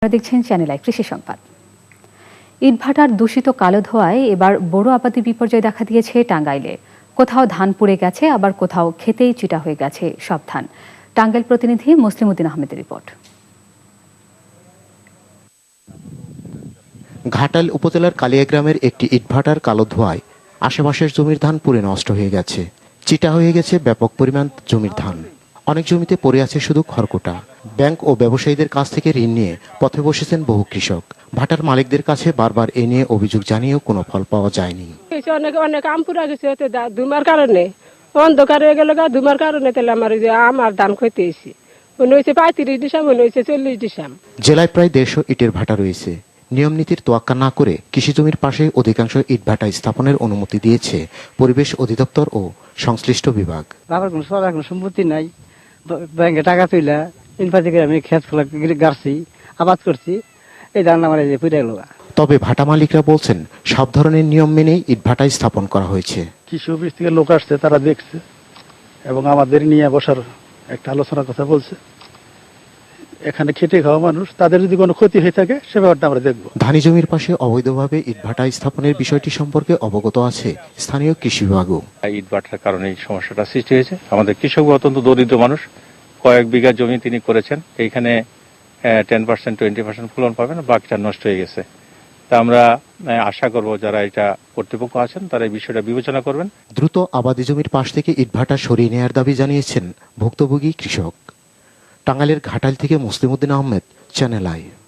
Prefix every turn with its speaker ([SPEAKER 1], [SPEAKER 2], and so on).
[SPEAKER 1] আপনারা দেখছেন channel I কৃষি সংবাদ। ইটভাটার দূষিত কালো ধোঁয়ায় এবার বড় আবাদি বিপর্যয় দেখা দিয়েছে টাঙ্গাইলে। কোথাও ধান পুড়ে গেছে, আবার কোথাও খেতেই চিটা হয়ে গেছে সব ধান। টাঙ্গাইল প্রতিনিধি মুসলিম উদ্দিন আহমেদের রিপোর্ট।
[SPEAKER 2] ঘাটাইল উপজেলার কালিয়া গ্রামের একটি ইটভাটার কালো ধোঁয়ায় আশেপাশের জমির ধান পুড়ে নষ্ট হয়ে গেছে। চিটা হয়ে গেছে ব্যাপক পরিমাণ জমির ধান। অনেক জমিতে পড়ে আছে শুধু খড়কুটা। ব্যাংক ও ব্যবসায়ীদের কাছ থেকে ঋণ নিয়ে পথে বসেছেন বহু কৃষক। ভাটার মালিকদের কাছে বারবার এ নিয়ে অভিযোগ জানিয়েও কোনো ফল পাওয়া যায়নি।
[SPEAKER 3] অনেক আম পুরা গেছে ধুমার কারণে, অন্ধকার হয়ে গেল ধুমার কারণে। তাহলে আমার ধান ক্ষতি হয়েছে, মনে হয়েছে 35 ডিসাম, মনে হয়েছে 40 ডিসাম।
[SPEAKER 2] জেলায় প্রায় 150 ইটের ভাটা রয়েছে। নিয়ম নীতির তোয়াক্কা না করে কৃষি জমির পাশে অধিকাংশ ইট ভাটা স্থাপনের অনুমতি দিয়েছে পরিবেশ অধিদপ্তর ও সংশ্লিষ্ট বিভাগ।
[SPEAKER 4] বাবার কোনো সরকার কোনো সম্পত্তি নাই, ব্যাংকে টাকা তুইলা ইনফাতি করে আমি খেত ফলা গাড়ছি, আবাদ করছি, এই ধান আমার যে পুড়ে গেল।
[SPEAKER 2] তবে ভাটা মালিকরা বলছেন সব ধরনের নিয়ম মেনেই ইটভাটা স্থাপন করা হয়েছে।
[SPEAKER 5] কৃষি অফিস থেকে লোক আসছে, তারা দেখছে এবং আমাদের নিয়ে বসার একটা আলোচনার কথা বলছে। এখানে খেটে খাওয়া মানুষ, তাদের যদি কোনো ক্ষতি হয়ে থাকে সে ব্যাপারটা আমরা দেখবো।
[SPEAKER 2] ধানি জমির পাশে অবৈধভাবে ইটভাটা স্থাপনের বিষয়টি সম্পর্কে অবগত আছে স্থানীয় কৃষি বিভাগও।
[SPEAKER 6] ইটভাটার কারণে এই সমস্যাটা সৃষ্টি হয়েছে। আমাদের কৃষক অত্যন্ত দরিদ্র মানুষ, কয়েক বিঘা জমি তিনি করেছেন, এইখানে 10% 20% ফলন পাবেন, বাকিটা নষ্ট হয়ে গেছে। তা আমরা আশা করব যারা এটা কর্তৃপক্ষ আছেন তারা এই বিষয়টা বিবেচনা করবেন।
[SPEAKER 2] দ্রুত আবাদি জমির পাশ থেকে ইটভাটা সরিয়ে নেয়ার দাবি জানিয়েছেন ভুক্তভোগী কৃষক। টাঙ্গাইলের ঘাটাইল থেকে মুসলিম উদ্দিন আহমেদ, চ্যানেল আই।